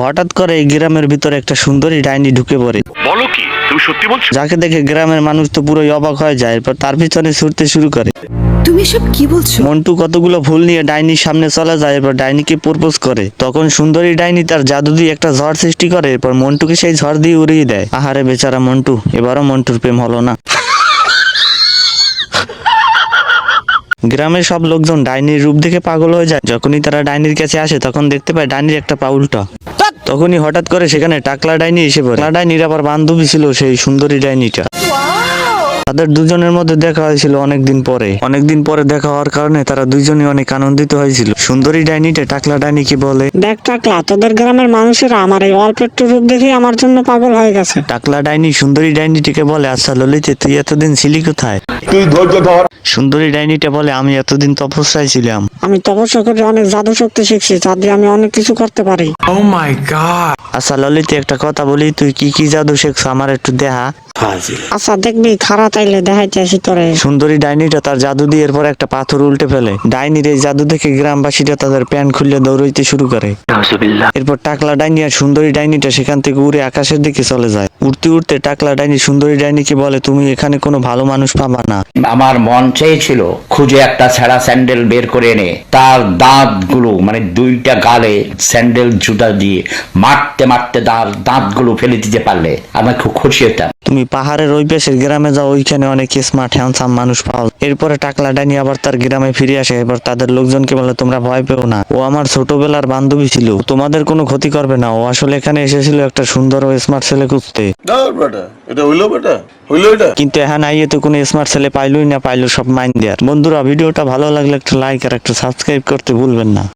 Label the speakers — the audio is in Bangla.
Speaker 1: হঠাৎ করে এই গ্রামের ভিতরে একটা সুন্দরী ডাইনি ঢুকে পড়ে।
Speaker 2: বলো কি তুমি সত্যি বলছো?
Speaker 1: যাকে দেখে গ্রামের মানুষ তো পুরোই অবাক হয়ে যায়, এরপর তার পিছনে ছুটতে শুরু করে।
Speaker 3: তুমি সব কি বলছো?
Speaker 1: মন্টু কতগুলো ফুল নিয়ে ডাইনির সামনে চলে যায়, এরপর ডাইনিকে প্রপোজ করে। তখন সুন্দরী ডাইনি তার জাদু দিয়ে একটা ঝড় সৃষ্টি করে, এরপর মন্টুকে সেই ঝড় দিয়ে উড়িয়ে দেয়। আহারে বেচারা মন্টু, এবারও মন্টুর প্রেম হলো না। গ্রামের সব লোকজন ডাইনির রূপ দেখে পাগল হয়ে যায়। যখনই তারা ডাইনির কাছে আসে তখন দেখতে পায় ডাইনির একটা পা উল্টা। তখনই হঠাৎ করে সেখানে টাকলা ডাইনি এসে পড়ে। টাকলা ডাইনির আবার বান্ধবী ছিল সেই সুন্দরী ডাইনিটা। তাদের দুজনের মধ্যে দেখা হয়েছিল অনেকদিন পরে দেখা হওয়ার কারণে তারা দুইজনই অনেক আনন্দিত হয়েছিল। সুন্দরী ডাইনিটা টাকলা ডাইনিকে বলে,
Speaker 4: দেখ টাকলা, তোদের গ্রামের মানুষেরা আমার এই অল্প একটু রূপ দেখে আমার জন্য পাগল হয়ে গেছে।
Speaker 1: টাকলা ডাইনি সুন্দরী ডাইনিটিকে বলে, আচ্ছা ললিতে তুই এতদিন ছিলি কোথায়?
Speaker 2: তুই ধৈর্য ধর।
Speaker 1: সুন্দরী ডাইনিটা বলে, আমি এতদিন তপস্যায় ছিলাম।
Speaker 4: আমি তপস্যা করে অনেক জাদু শক্তি শিখছি, যা দিয়ে আমি অনেক কিছু করতে পারি।
Speaker 1: আচ্ছা ললিতে একটা কথা বলি, তুই কি কি জাদু শেখছ আমার একটু দেখা।
Speaker 4: আচ্ছা দেখবি, খারাপ তাইলে দেখাইতে আসি তোরে।
Speaker 1: সুন্দরী ডাইনিটা তার জাদু দিয়ে এরপর একটা পাথর উল্টে ফেলে। ডাইনির এই জাদু দেখে গ্রামবাসীরা তাদের প্যান্ট খুলে দৌড়াইতে শুরু করে। এরপর টাকলা ডাইনি আর সুন্দরী ডাইনিটা সেখান থেকে উড়ে আকাশের দিকে চলে যায়। উড়তে উড়তে টাকলা ডাইনি সুন্দরী ডাইনিকে বলে, তুমি এখানে কোনো ভালো মানুষ পাবা না।
Speaker 5: আমার মন চেয়েছিল খুঁজে একটা ছেঁড়া স্যান্ডেল বের করে এনে তার দাঁতগুলো মানে দুইটা গালে স্যান্ডেল জুতা দিয়ে মারতে মারতে দাঁতগুলো ফেলে দিতে পারলে আমি খুব খুশি হতাম।
Speaker 1: তুমি পাহাড়ের ওই পাশের গ্রামে যাও, ওইখানে অনেক স্মার্ট হ্যান্ডসাম মানুষ পাও। এরপরে টাকলা ডাইনি আবার তার গ্রামে ফিরে আসে। এবার তাদের লোকজনকে বলে, তোমরা ভয় পেও না, ও আমার ছোটবেলার বান্ধবী ছিল, তোমাদের কোনো ক্ষতি করবে না। ও আসলে এখানে এসেছিল একটা সুন্দর ও স্মার্ট ছেলে খুঁজতে। কিন্তু এখন আইয়ে তো কোনো স্মার্ট ছেলে পাইলই না, পাইলো সব মাইন দেয়ার। বন্ধুরা, ভিডিওটা ভালো লাগলে একটা লাইক আর একটা সাবস্ক্রাইব করতে ভুলবেন না।